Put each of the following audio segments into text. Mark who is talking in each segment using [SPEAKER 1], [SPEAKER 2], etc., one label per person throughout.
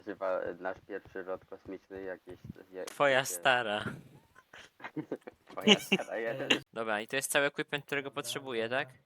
[SPEAKER 1] Chyba nasz pierwszy lot kosmiczny jakieś...
[SPEAKER 2] Twoja stara.
[SPEAKER 1] Twoja stara jeden.
[SPEAKER 2] Dobra, i to jest cały equipment, którego
[SPEAKER 3] Dobra,
[SPEAKER 2] potrzebuję,
[SPEAKER 3] dobra.
[SPEAKER 2] tak?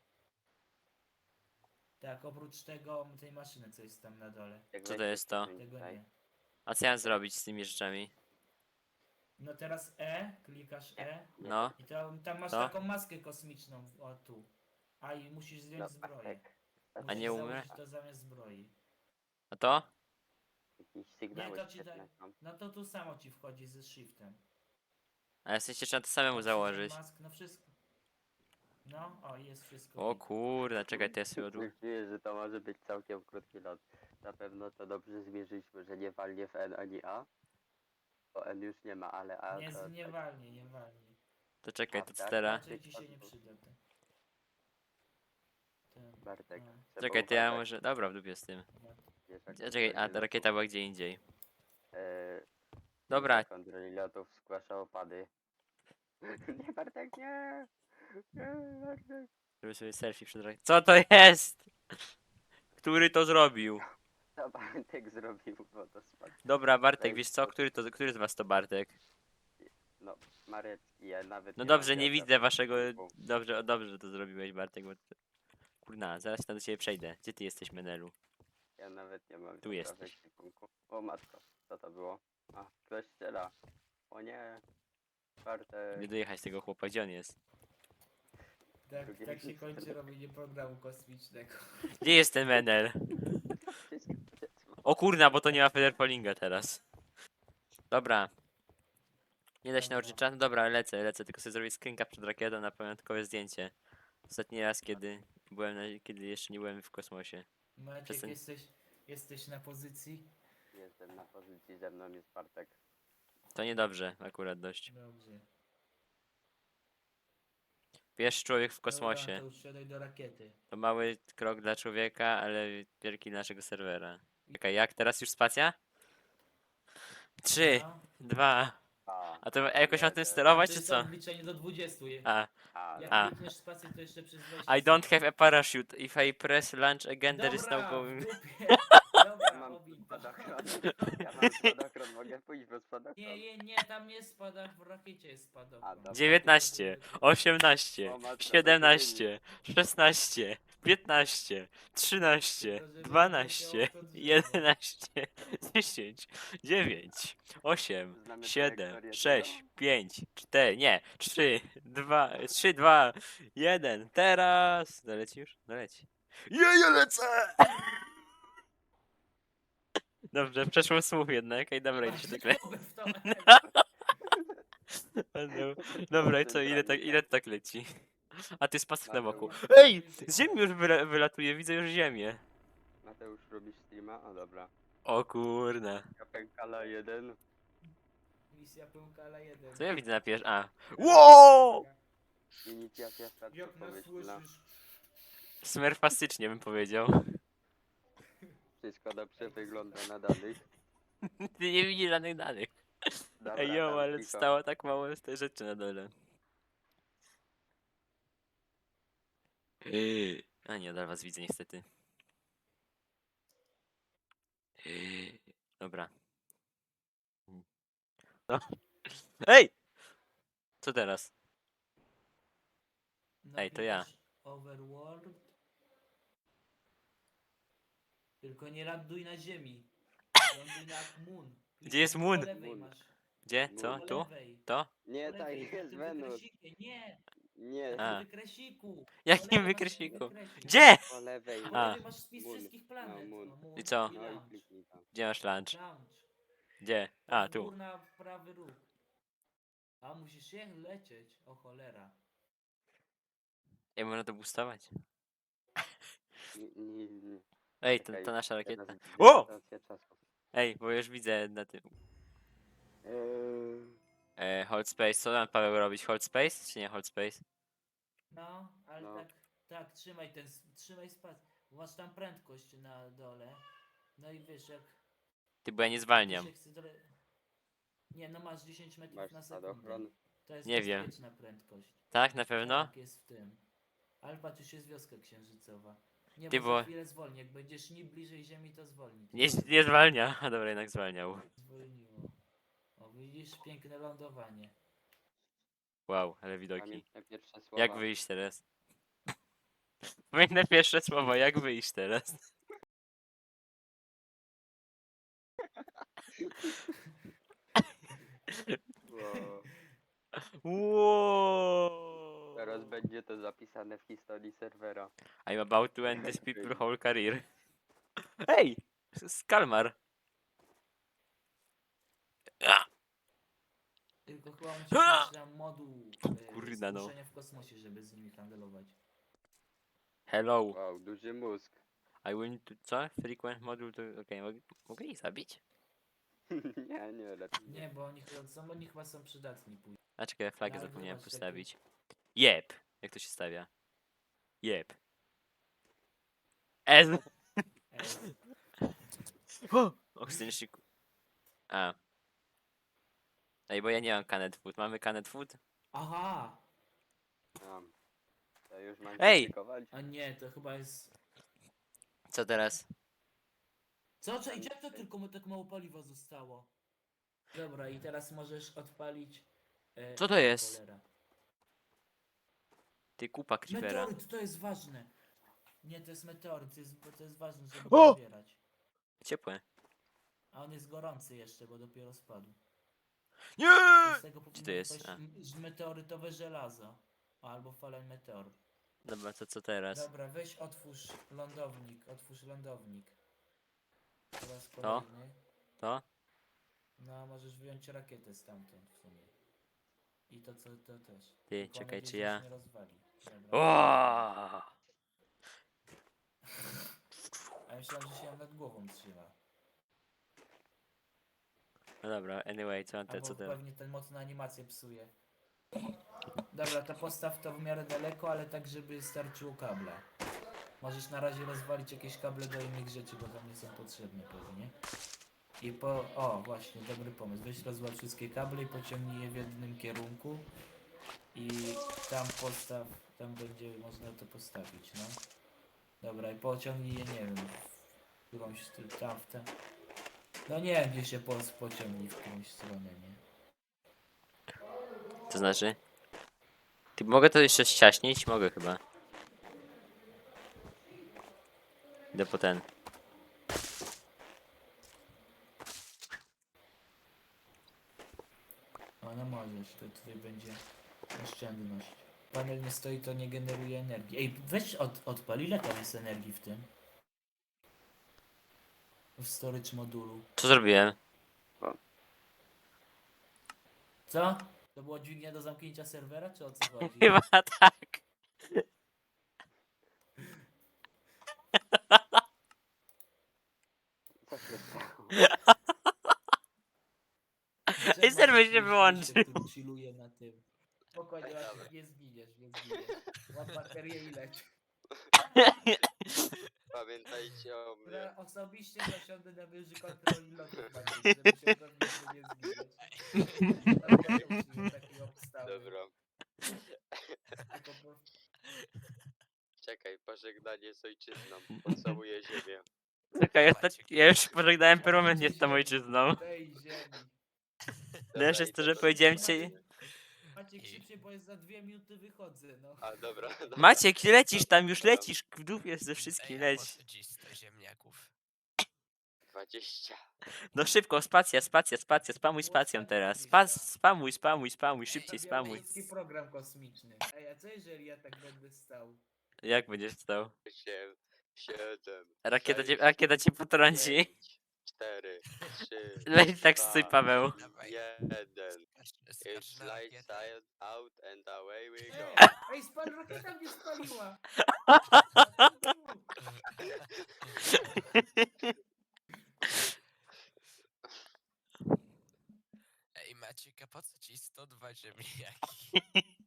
[SPEAKER 3] Tak, oprócz tego, tej maszyny, co jest tam na dole.
[SPEAKER 1] Jak
[SPEAKER 2] Co to
[SPEAKER 1] weźmiesz
[SPEAKER 2] jest to?
[SPEAKER 1] ten
[SPEAKER 3] Tego
[SPEAKER 1] tutaj.
[SPEAKER 3] nie.
[SPEAKER 2] A co ja mam zrobić z tymi rzeczami?
[SPEAKER 3] No teraz klikasz
[SPEAKER 1] Nie,
[SPEAKER 2] No,
[SPEAKER 3] i tam masz
[SPEAKER 2] To?
[SPEAKER 3] taką maskę kosmiczną, o tu. A i musisz zdjąć
[SPEAKER 1] No,
[SPEAKER 3] zbroję.
[SPEAKER 1] Bartek.
[SPEAKER 3] Musisz
[SPEAKER 2] nie umrę?
[SPEAKER 3] założyć to zamiast zbroi.
[SPEAKER 2] a to?
[SPEAKER 1] Jakieś sygnały
[SPEAKER 3] to ci
[SPEAKER 1] świetne
[SPEAKER 3] da-
[SPEAKER 1] są.
[SPEAKER 3] No to tu samo ci wchodzi ze shiftem.
[SPEAKER 2] A ja w sensie trzeba to samemu
[SPEAKER 3] Oxygen
[SPEAKER 2] założyć.
[SPEAKER 3] Mask, no wszystko. No, o jest wszystko.
[SPEAKER 2] O
[SPEAKER 3] git.
[SPEAKER 2] kurde, czekaj, to ja sobie odłóż.
[SPEAKER 1] Czuję, że to może być całkiem krótki lot. Na pewno to dobrze zmierzyliśmy, że nie walnie w N ani A. Bo N już nie ma, ale A
[SPEAKER 3] Nie,
[SPEAKER 1] to...
[SPEAKER 3] nie
[SPEAKER 1] tak,
[SPEAKER 3] walnie, nie walnie.
[SPEAKER 2] To czekaj, to co
[SPEAKER 1] tak,
[SPEAKER 2] teraz?
[SPEAKER 3] Raczej ci się nie przyda ten.
[SPEAKER 1] Bartek.
[SPEAKER 3] no.
[SPEAKER 1] trzeba
[SPEAKER 2] Czekaj, to ja
[SPEAKER 1] uważać,
[SPEAKER 2] może... Dobra, w dupie z tym.
[SPEAKER 1] wiesz, jak
[SPEAKER 2] Czekaj, a
[SPEAKER 1] kontroli
[SPEAKER 2] ta rakieta była gdzie indziej.
[SPEAKER 1] lotów,
[SPEAKER 2] Dobra,
[SPEAKER 1] kontroli lotów zgłasza opady. Nie, Bartek, nie! Nie, Bartek.
[SPEAKER 2] żeby sobie selfie przed rakietą. Co to jest? Który to zrobił?
[SPEAKER 1] Co Bartek zrobił, bo to spadł.
[SPEAKER 2] Dobra, Bartek, wiesz co? Który z was to Bartek?
[SPEAKER 1] No, Marecki, ja nawet
[SPEAKER 2] No
[SPEAKER 1] nie
[SPEAKER 2] dobrze,
[SPEAKER 1] mam
[SPEAKER 2] nie
[SPEAKER 1] wiadra
[SPEAKER 2] widzę
[SPEAKER 1] w
[SPEAKER 2] waszego...
[SPEAKER 1] ekwipunku.
[SPEAKER 2] Dobrze, że to zrobiłeś, Bartek, bo... Kurna, zaraz tam do ciebie przejdę. Gdzie ty jesteś, Menelu?
[SPEAKER 1] Ja nawet nie mam
[SPEAKER 2] Tu
[SPEAKER 1] wiadra w
[SPEAKER 2] jesteś.
[SPEAKER 1] ekwipunku. O matko, co to było? A, ktoś strzela. O nie. Bartek.
[SPEAKER 2] Nie dojechać tego chłopa, gdzie on jest?
[SPEAKER 3] Tak,
[SPEAKER 1] Drugie
[SPEAKER 3] tak się
[SPEAKER 1] miejsce.
[SPEAKER 3] kończy robienie programu kosmicznego.
[SPEAKER 2] Gdzie jest ten Menel? O kurna, bo to nie ma Federpolinga teraz. Dobra. Nie da się
[SPEAKER 3] Dobra.
[SPEAKER 2] nauczyć czatu? Dobra, lecę, tylko sobie zrobię screenka przed rakietą na pamiątkowe zdjęcie. Ostatni raz, kiedy jeszcze nie byłem w kosmosie.
[SPEAKER 3] Maciek,
[SPEAKER 2] Przestań.
[SPEAKER 3] jesteś na pozycji?
[SPEAKER 1] Jestem na pozycji, ze mną jest Bartek.
[SPEAKER 2] To niedobrze, akurat dość.
[SPEAKER 3] Dobrze.
[SPEAKER 2] Pierwszy człowiek w
[SPEAKER 3] Dobra,
[SPEAKER 2] kosmosie.
[SPEAKER 3] to już siadaj do rakiety.
[SPEAKER 2] To mały krok dla człowieka, ale wielki dla naszego serwera. Czekaj, jak? Teraz już spacja? 3,
[SPEAKER 3] No.
[SPEAKER 2] 2.
[SPEAKER 1] A,
[SPEAKER 2] A to jakoś mam tym
[SPEAKER 1] jeden.
[SPEAKER 2] sterować,
[SPEAKER 3] To
[SPEAKER 2] czy
[SPEAKER 3] jest
[SPEAKER 2] co?
[SPEAKER 3] odliczenie do 20.
[SPEAKER 2] A,
[SPEAKER 3] Jak
[SPEAKER 2] A.
[SPEAKER 3] klikniesz spację, to jeszcze przez 20
[SPEAKER 2] I don't have a parachute. If I press launch again, there is no
[SPEAKER 3] Dobra, w
[SPEAKER 2] going.
[SPEAKER 3] dupie.
[SPEAKER 1] Ja
[SPEAKER 3] Dobra,
[SPEAKER 1] mam
[SPEAKER 3] obij to.
[SPEAKER 1] spadochron. Ja mam spadochron, mogę pójść bez spadochron.
[SPEAKER 3] Nie, tam jest spadach, w rakiecie jest
[SPEAKER 1] A,
[SPEAKER 3] spadochron.
[SPEAKER 1] dobra.
[SPEAKER 2] 19, 18,
[SPEAKER 1] O matko, to
[SPEAKER 2] 17, 16, 15, 13,
[SPEAKER 3] Tylko, żeby
[SPEAKER 2] 12,
[SPEAKER 3] leciało to drzewo.
[SPEAKER 2] 11, 10, 9, 8,
[SPEAKER 1] Znamy
[SPEAKER 2] 7,
[SPEAKER 1] trajektorię
[SPEAKER 2] 6,
[SPEAKER 1] tego?
[SPEAKER 2] 5, 4, nie, 3, 2, 3, 2, 1, teraz! Doleci już? Doleci. Ja lecę! Dobrze, przeszło słów jednak, ej dobra, idę się
[SPEAKER 3] Właśnie
[SPEAKER 2] tak
[SPEAKER 3] głowę w to.
[SPEAKER 2] Dobra, i co, ile to tak leci? A ty spadł na boku.
[SPEAKER 1] Mateusz.
[SPEAKER 2] Ej! Z ziemi już wylatuje, widzę już ziemię.
[SPEAKER 1] Mateusz, robisz streama? O dobra.
[SPEAKER 2] O kurna.
[SPEAKER 1] Kapękala 1.
[SPEAKER 3] Misja Pyłkala 1.
[SPEAKER 2] Co ja widzę na pierwszy... A. Wow!
[SPEAKER 1] Inicjacja startu
[SPEAKER 3] Jak nas
[SPEAKER 1] pomyślna.
[SPEAKER 3] słyszysz?
[SPEAKER 2] Smerfastycznie bym powiedział.
[SPEAKER 1] Wszystko dobrze wygląda na danych.
[SPEAKER 2] Ty nie widzisz żadnych danych.
[SPEAKER 1] Dobra,
[SPEAKER 2] Ej jo,
[SPEAKER 1] tam
[SPEAKER 2] ale
[SPEAKER 1] cicho.
[SPEAKER 2] stało tak mało z tej rzeczy na dole. A nie, od was widzę niestety. Dobra. No. Ej! Co teraz? Ej, to ja.
[SPEAKER 3] Napisz Overworld. Tylko nie ląduj na ziemi. Ląduj na Moon.
[SPEAKER 2] Gdzie jest Moon?
[SPEAKER 3] Po lewej
[SPEAKER 1] Moon.
[SPEAKER 3] masz.
[SPEAKER 2] Gdzie?
[SPEAKER 1] Moon.
[SPEAKER 2] Co?
[SPEAKER 3] Po
[SPEAKER 2] Tu?
[SPEAKER 3] lewej.
[SPEAKER 2] To?
[SPEAKER 1] Nie,
[SPEAKER 3] Po
[SPEAKER 1] tak
[SPEAKER 3] lewej, na
[SPEAKER 1] jest
[SPEAKER 3] tym
[SPEAKER 1] Wenus.
[SPEAKER 3] wykresiku. Nie,
[SPEAKER 1] Nie,
[SPEAKER 2] A.
[SPEAKER 3] na tym wykresiku.
[SPEAKER 2] Jakim
[SPEAKER 3] Po lewej masz
[SPEAKER 2] wykresiku?
[SPEAKER 3] wykresik.
[SPEAKER 2] Gdzie?
[SPEAKER 1] po lewej.
[SPEAKER 3] Po
[SPEAKER 2] A.
[SPEAKER 3] lewej masz spis
[SPEAKER 1] Moon.
[SPEAKER 3] wszystkich planet.
[SPEAKER 1] No, Moon.
[SPEAKER 3] Moon
[SPEAKER 2] I co?
[SPEAKER 1] No i
[SPEAKER 3] launch.
[SPEAKER 1] kliknij tam.
[SPEAKER 2] Gdzie masz lunch?
[SPEAKER 3] Launch.
[SPEAKER 2] Gdzie? A, tu.
[SPEAKER 3] Górna prawy róg. A musisz się lecieć. O cholera.
[SPEAKER 2] Jak można to boostować?
[SPEAKER 1] Nie.
[SPEAKER 2] Ej,
[SPEAKER 1] Czekaj,
[SPEAKER 2] to nasza
[SPEAKER 1] teraz
[SPEAKER 2] rakieta.
[SPEAKER 1] widzę
[SPEAKER 2] O!
[SPEAKER 1] rotację czasu.
[SPEAKER 2] Ej, bo już widzę na tym.
[SPEAKER 1] Eee,
[SPEAKER 2] Hold space. Co tam Paweł robić? Hold space? Czy nie hold space?
[SPEAKER 3] No, ale
[SPEAKER 1] No.
[SPEAKER 3] tak, trzymaj spację. Masz tam prędkość na dole. No i wiesz, jak
[SPEAKER 2] Ty, bo ja nie
[SPEAKER 3] ci
[SPEAKER 2] zwalniam.
[SPEAKER 3] się chce Nie, no masz 10 metrów
[SPEAKER 1] masz
[SPEAKER 3] na sekundę.
[SPEAKER 1] spadochron.
[SPEAKER 3] To jest
[SPEAKER 2] Nie wiem.
[SPEAKER 3] bezpieczna prędkość.
[SPEAKER 2] Tak, na pewno?
[SPEAKER 3] Tak, jest w tym. Ale patrz, już jest wioska księżycowa. Nie,
[SPEAKER 2] Ty,
[SPEAKER 3] bo
[SPEAKER 2] bo-
[SPEAKER 3] za chwilę zwolni. Jak będziesz ni bliżej ziemi, to zwolni.
[SPEAKER 2] Nie zwalnia. A dobra, jednak zwalniał.
[SPEAKER 3] Zwolniło. O, widzisz? Piękne lądowanie.
[SPEAKER 2] Wow, ale widoki.
[SPEAKER 1] Pamiętne pierwsze
[SPEAKER 2] Jak
[SPEAKER 1] słowa.
[SPEAKER 2] wyjść teraz? Pamiętne pierwsze słowo, jak wyjść teraz?
[SPEAKER 1] Wow.
[SPEAKER 2] Wow.
[SPEAKER 1] Teraz będzie to zapisane w historii serwera.
[SPEAKER 2] I'm about to end this people whole career. Hej! Skalmar! Ah!
[SPEAKER 3] Tylko chyba musisz mieć tam moduł
[SPEAKER 2] Kurna, no.
[SPEAKER 3] zmuszenia w kosmosie, żeby z nimi handlować.
[SPEAKER 2] Hello.
[SPEAKER 1] Wow, duży mózg.
[SPEAKER 2] I will to... Co? Frequent module to... Okej, mogę ich zabić?
[SPEAKER 1] nie, lepiej
[SPEAKER 3] Nie, bo oni chyba są przydatni później.
[SPEAKER 2] A czekaj, flagę
[SPEAKER 3] Ale
[SPEAKER 2] zapomniałem
[SPEAKER 3] zobacz,
[SPEAKER 2] postawić. Jep! Jak to się stawia? Jep. Ez! Oxygenship. A. Ej, bo ja nie mam Canet Food. Mamy Canet Food?
[SPEAKER 3] Aha!
[SPEAKER 1] Mam. To już mam
[SPEAKER 2] Ej!
[SPEAKER 1] krytykować?
[SPEAKER 3] A nie, to chyba jest...
[SPEAKER 2] Co teraz?
[SPEAKER 3] Co? Czekaj, jak to tylko mu tak mało paliwa zostało? Dobra, i teraz możesz odpalić...
[SPEAKER 2] Co to jest?
[SPEAKER 3] Cholera.
[SPEAKER 2] Ty kupa creepera.
[SPEAKER 3] Meteoryt, to jest ważne! Nie, to jest meteoryt, to jest ważne, żeby
[SPEAKER 2] O!
[SPEAKER 3] go zbierać.
[SPEAKER 2] Ciepłe.
[SPEAKER 3] A on jest gorący jeszcze, bo dopiero spadł.
[SPEAKER 2] Nie!
[SPEAKER 3] To z tego
[SPEAKER 2] Gdzie to
[SPEAKER 3] powinno
[SPEAKER 2] jest?
[SPEAKER 3] być
[SPEAKER 2] A.
[SPEAKER 3] Meteorytowe żelazo. Albo falen meteor.
[SPEAKER 2] Dobra, to co teraz?
[SPEAKER 3] Dobra, weź otwórz lądownik, Teraz
[SPEAKER 2] To?
[SPEAKER 3] kolejny.
[SPEAKER 2] To?
[SPEAKER 3] No, możesz wyjąć rakietę stamtąd w sumie. I to co, to też.
[SPEAKER 2] Ty,
[SPEAKER 3] Tylko mam
[SPEAKER 2] czekaj,
[SPEAKER 3] nadzieję,
[SPEAKER 2] czy
[SPEAKER 3] że
[SPEAKER 2] ja...
[SPEAKER 3] się nie rozwali. Dobra.
[SPEAKER 2] O!
[SPEAKER 3] A myślałem, że się ją nad głową trzyma.
[SPEAKER 2] No dobra, anyway, co
[SPEAKER 3] Albo
[SPEAKER 2] co teraz?
[SPEAKER 3] pewnie ten mocno animację psuje. Dobra, to postaw to w miarę daleko, ale tak, żeby starczyło kabla. Możesz na razie rozwalić jakieś kable do innych rzeczy, bo tam nie są potrzebne pewnie. I o, właśnie, dobry pomysł. Weź rozwal wszystkie kable i pociągnij je w jednym kierunku. I tam postaw, tam będzie można to postawić, no. Dobra, i pociągnij je, nie wiem, w którąś tam, w tę. No nie wiem, gdzie się pociągnij w którąś stronę, nie?
[SPEAKER 2] To znaczy? Ty, mogę to jeszcze ściaśnić? Mogę chyba. Idę po ten.
[SPEAKER 3] No możesz, to tutaj będzie oszczędność. Panel nie stoi, to nie generuje energii. Ej, weź odpal, ile tam jest energii w tym? W storage modulu.
[SPEAKER 2] Co zrobiłem?
[SPEAKER 3] Co? To była dźwignia do zamknięcia serwera, czy o co chodzi?
[SPEAKER 2] Chyba tak.
[SPEAKER 1] Co się stało?
[SPEAKER 2] Ej, serwer się wyłączył.
[SPEAKER 3] Który chilluje na tym. Spokojnie, Maciek, nie zginiesz, nie zginiesz. Łap baterię i leć.
[SPEAKER 1] Pamiętajcie o mnie.
[SPEAKER 3] Ja osobiście zasiądę na wieży kontroli lotów, Maciek, żeby się upewnić, że nie zginiesz. Dlatego przyjął takiej obstawy.
[SPEAKER 1] Dobra.
[SPEAKER 3] Tylko po-
[SPEAKER 1] Czekaj, pożegnanie z ojczyzną. Pocałuję ziemię.
[SPEAKER 2] Czekaj, ja już pożegnałem permanentnie z tą ojczyzną.
[SPEAKER 3] tej ziemi.
[SPEAKER 2] Najlepsze jest to, że powiedziałem ci...
[SPEAKER 3] Maciek, szybciej, bo jest za 2 minuty wychodzę, no.
[SPEAKER 1] A dobra, dobra.
[SPEAKER 2] Maciek, lecisz tam, już lecisz. W dupie ze wszystkim, leć.
[SPEAKER 1] 20.
[SPEAKER 2] No szybko, spacja, spamuj spacją teraz. Spamuj, szybciej spamuj.
[SPEAKER 3] Białoruski program kosmiczny. Ej, a co jeżeli ja tak będę stał?
[SPEAKER 2] Jak będziesz stał?
[SPEAKER 1] 8, 7.
[SPEAKER 2] Rakieta cię potrąci.
[SPEAKER 1] 4, 3.
[SPEAKER 2] Weź tak stój, Paweł.
[SPEAKER 1] 1. It's lights out and away we go.
[SPEAKER 3] Ej, rakieta mnie spaliła!
[SPEAKER 4] Ej Maciek, a po co ci 102 ziemniaki?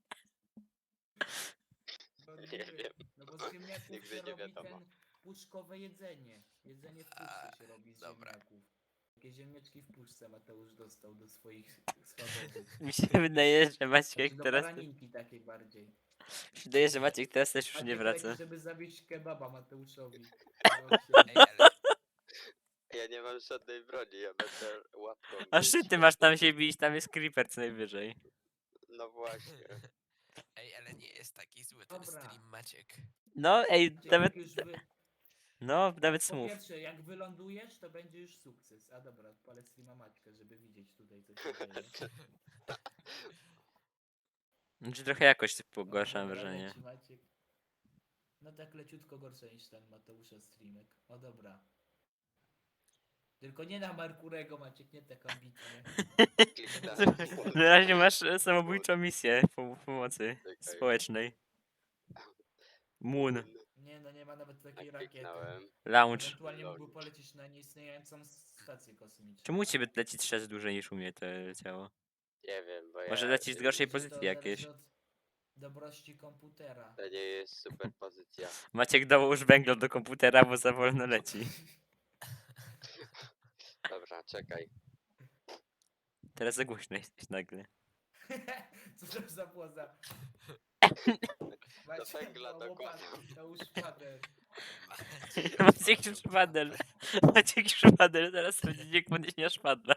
[SPEAKER 1] Nie wiem.
[SPEAKER 3] No bo z ziemniaków
[SPEAKER 1] Nigdy
[SPEAKER 3] się
[SPEAKER 1] nie
[SPEAKER 3] robi
[SPEAKER 1] wiadomo.
[SPEAKER 3] ten puszkowe jedzenie. Jedzenie w puszce się robi z
[SPEAKER 4] dobra.
[SPEAKER 3] ziemniaków. Takie ziemniaczki w puszce Mateusz dostał do swoich schabowych.
[SPEAKER 2] Mi się wydaje, że Maciek
[SPEAKER 3] Znaczy do
[SPEAKER 2] teraz...
[SPEAKER 3] baraninki takiej bardziej.
[SPEAKER 2] Wydaje, że Maciek teraz też już
[SPEAKER 3] Maciek
[SPEAKER 2] nie
[SPEAKER 3] leci,
[SPEAKER 2] wraca.
[SPEAKER 3] żeby zawieźć kebaba Mateuszowi.
[SPEAKER 4] Ej, ale
[SPEAKER 1] Ja nie mam żadnej broni, ja będę łapką
[SPEAKER 2] A
[SPEAKER 1] bić.
[SPEAKER 2] ty masz tam się bić, tam jest creeper co najwyżej.
[SPEAKER 1] No właśnie.
[SPEAKER 4] ej, ale nie jest taki zły ten
[SPEAKER 3] Dobra.
[SPEAKER 4] stream, Maciek.
[SPEAKER 2] No ej,
[SPEAKER 3] Maciek,
[SPEAKER 2] nawet,
[SPEAKER 3] jak już wy...
[SPEAKER 2] no nawet
[SPEAKER 3] Po
[SPEAKER 2] smów.
[SPEAKER 3] pierwsze, jak wylądujesz, to będzie już sukces. A dobra, odpalę streama Maćka, żeby widzieć tutaj co się dzieje.
[SPEAKER 2] Znaczy trochę jakoś
[SPEAKER 3] No,
[SPEAKER 2] pogorszam
[SPEAKER 3] dobra,
[SPEAKER 2] wrażenie.
[SPEAKER 3] leci Maciek. No tak leciutko gorsze niż ten Mateusza streamek. O dobra. Tylko nie na Merkurego Maciek, nie tak ambitnie.
[SPEAKER 1] Kliknąłem.
[SPEAKER 2] Na razie masz samobójczą misję pomocy
[SPEAKER 1] Czekaj.
[SPEAKER 2] społecznej. Moon,
[SPEAKER 3] Nie no, nie ma nawet takiej rakiety.
[SPEAKER 1] Kliknąłem.
[SPEAKER 2] launch.
[SPEAKER 3] Ewentualnie mógłby polecieć na nieistniejącą stację kosmiczną.
[SPEAKER 2] Czemu u ciebie leci 3 razy dłużej niż u mnie to leciało?
[SPEAKER 1] Nie wiem, bo
[SPEAKER 2] Może
[SPEAKER 1] ja...
[SPEAKER 2] lecisz z gorszej
[SPEAKER 3] Czy to
[SPEAKER 2] pozycji jakieś.
[SPEAKER 3] zależy od dobrości komputera.
[SPEAKER 1] To nie jest super pozycja.
[SPEAKER 2] Maciek dołóż węgla do komputera, bo za wolno leci.
[SPEAKER 1] Dobra, czekaj.
[SPEAKER 2] Teraz za głośno jesteś nagle.
[SPEAKER 3] Co to za płoza?
[SPEAKER 1] Do węgla dokładam.
[SPEAKER 3] To już szpadę.
[SPEAKER 2] Maciek szpadel. Maciek szpadel, zaraz będzie nie podnieśnia szpadla.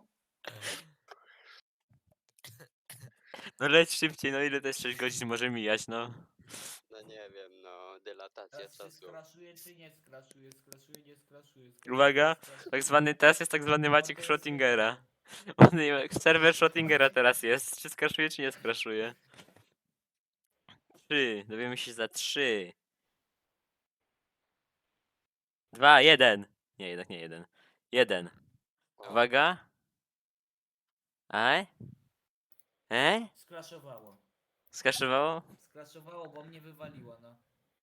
[SPEAKER 2] No leć szybciej, no ile też 6 godzin może mijać, no.
[SPEAKER 1] No nie wiem, no dylatacja
[SPEAKER 3] Teraz się
[SPEAKER 1] czasu.
[SPEAKER 3] skraszuje czy nie skraszuje? Skraszuje, nie skraszuje. Skraszuje,
[SPEAKER 2] Uwaga,
[SPEAKER 3] skraszuje.
[SPEAKER 2] tak zwany, teraz jest tak zwany
[SPEAKER 3] No,
[SPEAKER 2] Maciek
[SPEAKER 3] to jest
[SPEAKER 2] Schrödingera. Serwer Schrödingera teraz jest. Czy skraszuje, czy nie skraszuje? 3, dowiemy się za 3. 2, 1. Nie, jednak nie 1. 1.
[SPEAKER 1] O,
[SPEAKER 2] Uwaga. Aj?
[SPEAKER 3] Skraszowało.
[SPEAKER 2] Skraszowało?
[SPEAKER 3] Skraszowało, bo mnie wywaliło, no.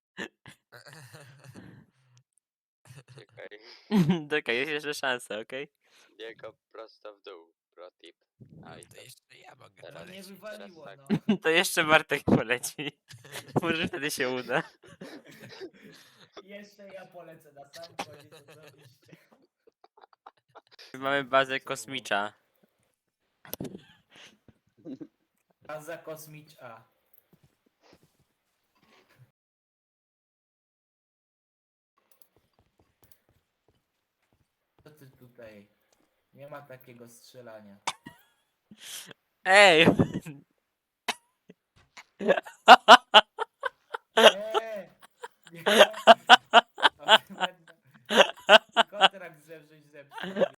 [SPEAKER 1] czekaj.
[SPEAKER 2] Czekaj, jest jeszcze szansa, okej?
[SPEAKER 1] Nie go prosto w dół. Pro tip. A i
[SPEAKER 4] To
[SPEAKER 1] to
[SPEAKER 4] jeszcze ja mogę
[SPEAKER 1] Teraz
[SPEAKER 3] No mnie
[SPEAKER 4] polecieć.
[SPEAKER 3] wywaliło,
[SPEAKER 1] tak.
[SPEAKER 3] no.
[SPEAKER 2] To jeszcze Bartek poleci. Może wtedy się uda.
[SPEAKER 3] Jeszcze ja polecę na sam koniec oczywiście.
[SPEAKER 2] Mamy bazę kosmicza.
[SPEAKER 3] Baza kosmicza. Co ty tutaj? Nie ma takiego strzelania.
[SPEAKER 2] Ej!
[SPEAKER 3] Nie! Nie! Kontrakt żeś zepsuł.